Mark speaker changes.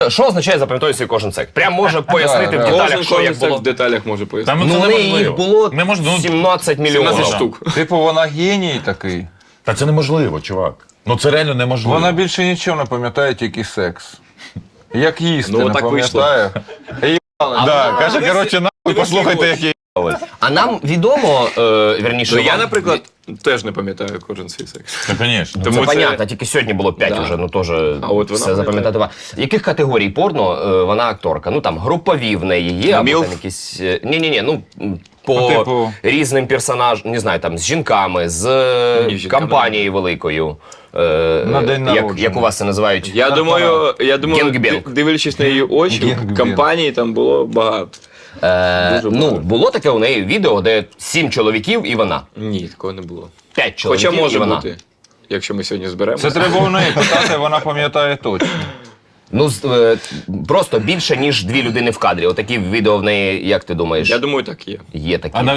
Speaker 1: Що означає запам'ятовується кожен секс? Прям може пояснити в
Speaker 2: Кожен
Speaker 1: деталях, що як було.
Speaker 2: в деталях може пояснити.
Speaker 3: Там
Speaker 1: Ну,
Speaker 3: це
Speaker 1: в неї їх
Speaker 3: неможливо.
Speaker 1: було
Speaker 3: Не можна,
Speaker 1: 17 мільйонів.
Speaker 2: 17 штук.
Speaker 4: Типу, вона геній такий.
Speaker 3: Та це неможливо, чувак. Ну це реально неможливо.
Speaker 4: Вона більше нічого не пам'ятає, тільки секс. Як їсти
Speaker 2: Ну,
Speaker 4: не
Speaker 2: так вийшло.
Speaker 4: пам'ятає.
Speaker 3: Да, каже, коротше, нахуй, послухайте, як я
Speaker 1: А нам відомо, вірніше,
Speaker 2: Ну я,
Speaker 1: вам-
Speaker 2: наприклад, теж не пам'ятаю кожен свій секс.
Speaker 3: Та, звісно.
Speaker 2: Тому
Speaker 1: Це
Speaker 2: це-
Speaker 1: понятно, тільки сьогодні було 5
Speaker 2: Да.
Speaker 1: вже, ну теж
Speaker 2: от вона
Speaker 1: все запам'ятати. Яких категорій порно вона акторка? Ну там групові в неї є, або
Speaker 2: Мілф?
Speaker 1: там якісь. Ні-ні-ні, ну по
Speaker 4: Ну, типу-
Speaker 1: різним персонажам, не знаю, там з жінками, з
Speaker 2: Ні, з жінками
Speaker 1: компанією великою.
Speaker 4: На день народження.
Speaker 1: Як у вас це називають?
Speaker 2: Я думаю,
Speaker 1: Генгбенг.
Speaker 2: дивлячись на її очі,
Speaker 4: Генгбенг.
Speaker 2: компанії там було багато.
Speaker 1: Ну,
Speaker 2: багато.
Speaker 1: було таке у неї відео, де 7 чоловіків і вона.
Speaker 2: Ні, такого не було.
Speaker 1: 5 чоловіків
Speaker 2: Хоча може
Speaker 1: і вона.
Speaker 2: бути, якщо ми сьогодні зберемо.
Speaker 4: Це треба у неї питати, вона пам'ятає точно.
Speaker 1: Ну, просто більше, ніж 2 людини в кадрі. Отакі відео в неї, як ти думаєш,
Speaker 2: Я думаю, так є.
Speaker 1: є такі.
Speaker 3: А